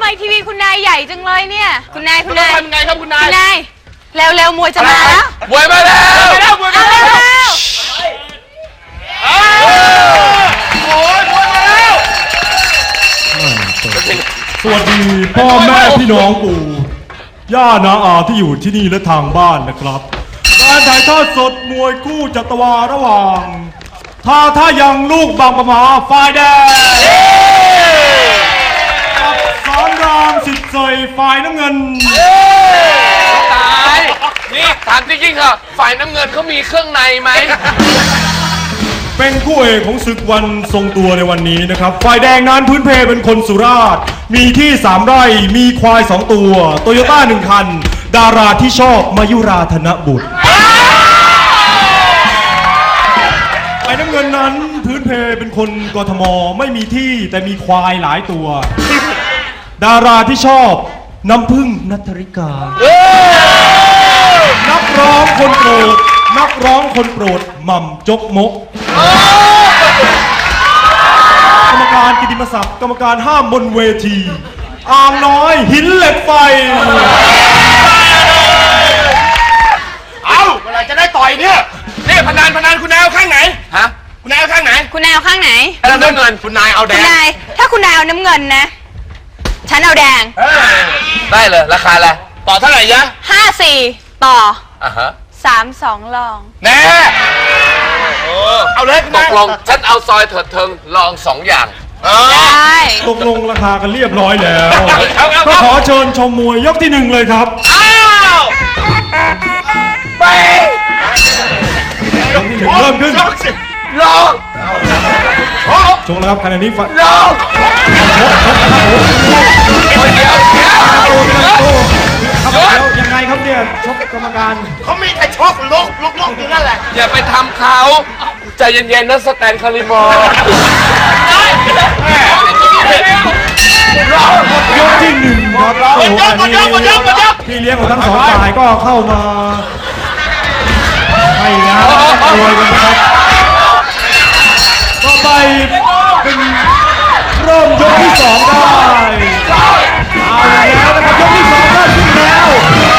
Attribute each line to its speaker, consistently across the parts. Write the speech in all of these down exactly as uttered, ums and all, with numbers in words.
Speaker 1: ทีวีคุณนายใหญ่จังเลยเนี่ยคุณนายคุณนาย
Speaker 2: ทำไงครับคุณนาย
Speaker 1: คุณนายเร็วเร็วมวยจะมาแล้ว
Speaker 2: มวยมาแล้วมวยมาแล้วมวยมาแล้วโอ้ยมวยมาแล้ว
Speaker 3: สวัสดีพ่อแม่พี่น้องปู่ย่านาอาที่อยู่ที่นี่และทางบ้านนะครับการถ่ายทอดสดมวยคู่จัตวาระหว่างท่าท่ายังลูกบางประมาฝ่ายแดงกับสอนรามสิทธิ์เสยฝ่ายน้ำเงิน
Speaker 2: ตายนี่ถามจริงๆเหรอฝ่ายน้ำเงินเขามีเครื่องในไหม
Speaker 3: เป็นคู่เอกของศึกวันทรงตัวในวันนี้นะครับฝ่ายแดงนั้นพื้นเพเป็นคนสุราษฎร์มีที่สามไร่มีควายสองตัวโตโยต้าหนึ่งคันดาราที่ชอบมายุราธนบุตรฝ่ายน้ำเงินนั้นพื้นเพเป็นคนกทมไม่มีที่แต่มีควายหลายตัวดาราที่ชอบน้ำพึ่งณัฐริกานักร้องคนโปรดนักร้องคนโปรดหม่ำจกมกกรรมการกิตติมศักดิ์กรรมการห้ามบนเวทีอ่างน้อยหินเหล็กไฟ
Speaker 2: เอาเมื่อไหร่จะได้ต่อยเนี่ยนี่พนันพนันคุณนายเอาข้างไหนฮะคุณนายเอาข้างไหน
Speaker 1: คุณนายเอาข้างไหน
Speaker 2: เอาน้ำเงินคุณนายเอาแดง
Speaker 1: คุณนายถ้าคุณนายเอาน้ำเงินนะฉันเอาแดง
Speaker 2: ได้เลยราคาอะไรต่อเท่าไหร่ยะ
Speaker 1: ห้าสี่ต่อ
Speaker 2: อ่ะฮะ
Speaker 1: สามสองลอง
Speaker 2: แน่เอาเลยตกลงฉันเอาซอยเถิดเทิงลองสองอย่าง
Speaker 1: ได้
Speaker 3: ตกลงราคากันเรียบร้อยแล้วก็ขอเชิญชมมวยยกที่หนึ่งเลยครับ
Speaker 2: อ้าวไป
Speaker 3: ยกที่หนึ่งเริ่มขึ้น
Speaker 2: ลอง
Speaker 3: ชกแล้วครับขณะนี้ฝัน
Speaker 2: ลองเดี๋ยวเดี๋ยว
Speaker 3: ครับแล้วยังไงครับเนี่ยชกกรรมการ
Speaker 2: เขามีแต่ชกลกลกลกอยู่นั่นแหละอย่าไปทำเขาใจเย็นๆนะสแตนคาริมอร์
Speaker 3: ยกที่หนึ่งครับโอ้โหอันนี้พี่เลี้ยงของทั้งสองฝ่ายก็เข้ามาให้นะโวยกันนะครับต่อไปเป็นเริ่มยกที่สองได้เอาแล้วนะครับยกที่สองได้ขึ้นแล้ว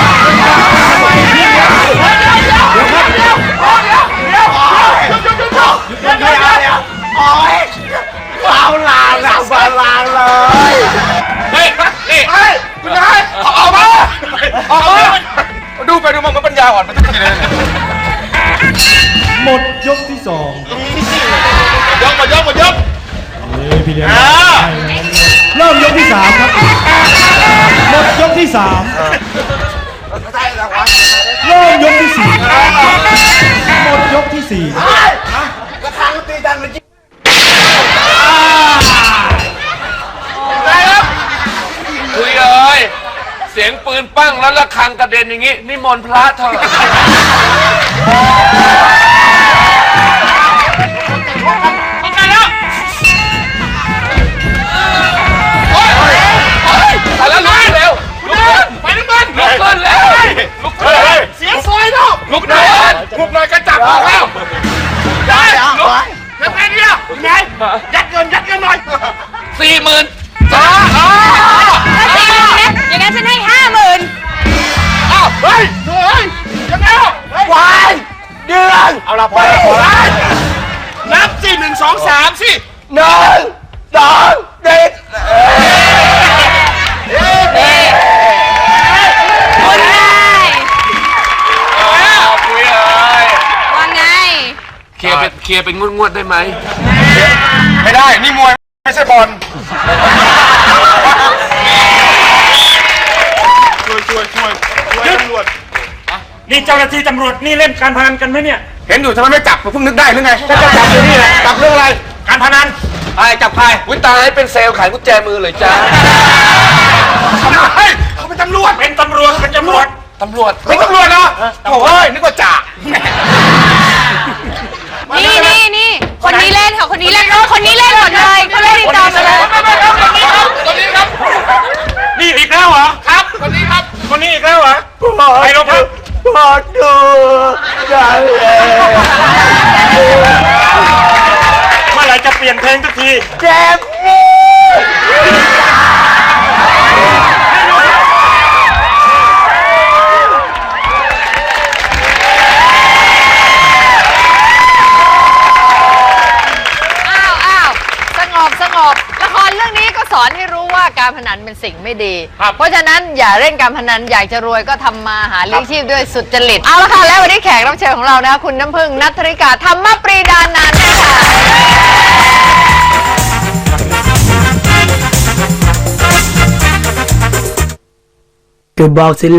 Speaker 2: เอาลาลาบาลาเลยเฮ้ยนี่คุณนายออกมาออกมาดูไปดูมามันปัญญาอ่อนมันจะกินอะไร
Speaker 3: หมดยกที่สอง
Speaker 2: ยกหมดยกหมดยก
Speaker 3: นี่พี่เลี้ยงเริ่มยกที่สามครับหมดยกที่สามเริ่มยกที่สี่หมดยกที่สี่
Speaker 2: กระทางตีดังเลยคุยเลยเสียงปืนปั้งแล้วระฆังกระเด็นอย่างงี้นิมนต์พระเถอะต้องการแล้วโอ้ยโอ้ยไปแล้วลุกเร็วลุกขึ้นไปลุกขึ้นลุกขึ้นแล้วลุกขึ้นเสียงซอยเนาะลุกหน่อยลุกหน่อยกระจับออกแล้วได้ลุกยังไงเนี่ยยังไงยัดเงินยัดเงินหน่อยสี่หมื่นจ้าอ๋อ
Speaker 1: สี่หมื่นนะอย่างนั้นฉันให้ห้าหมื่น
Speaker 2: อ้าวเฮ้ยเฮ้ยยังไงวายเดือนเอาละพอแล้วพอแล้วนับสี่หนึ่งสองสามสิหนึ่งสองเด็ด
Speaker 1: คุณนาย
Speaker 2: คุยเลย
Speaker 1: ว่าไง
Speaker 2: เคลียร์เป็นเคลียร์เป็นงวดๆได้ไหมไม่ได้นี่มวยไม่ใช่บอลช่วยช่วยช่วยช่วยตำรวจ
Speaker 4: นี่เจ้าหน้าที่ตำรวจนี่เล่นการพนันกันไหมเนี่ย
Speaker 2: เห็นอยู่ทำไมไม่จับเพิ่งนึกได้หรือไงถ้าจะจับอยู่นี่แหละจับเรื่องอะไร
Speaker 4: การพนัน
Speaker 2: ใครจับใครวิตายเป็นเซลล์ขายกุญแจมือเลยจ้าทำไมเขาเป็นตำรวจ
Speaker 4: เป็นตำรวจเป็นตำรวจ
Speaker 2: ตำรวจเป็นตำรวจเหรอโอ้ยนึกว่าจ่า
Speaker 1: นี่นี่นี่คนนี้เล่นค่ะคนนี้เล่นคนนี้เล่นหมดเลยเขาเล่นติดต่อมาเลย
Speaker 2: คนนี้ครับคนนี้ครับ
Speaker 4: นี่อีกแล้วเหรอ
Speaker 2: ครับคนนี้ครับ
Speaker 4: คนนี้อีกแล้วเหรอไปลงครับ
Speaker 2: พอดูได้
Speaker 4: เมื่อไหร่จะเปลี่ยนเพลงสักที
Speaker 2: เจ็บนี่
Speaker 5: การพนันเป็นสิ่งไม่ดี
Speaker 2: ครับ
Speaker 5: เพราะฉะนั้นอย่าเล่นการพนันอยากจะรวยก็ทำมาหาเลี้ยงชีพด้วยสุจริตเอาละค่ะแล้ววันนี้แขกรับเชิญของเรานะคะคุณน้ำพึ่งณัฐริกาธรรมปรีดานันท์ค่ะ
Speaker 6: ก็บอกสิ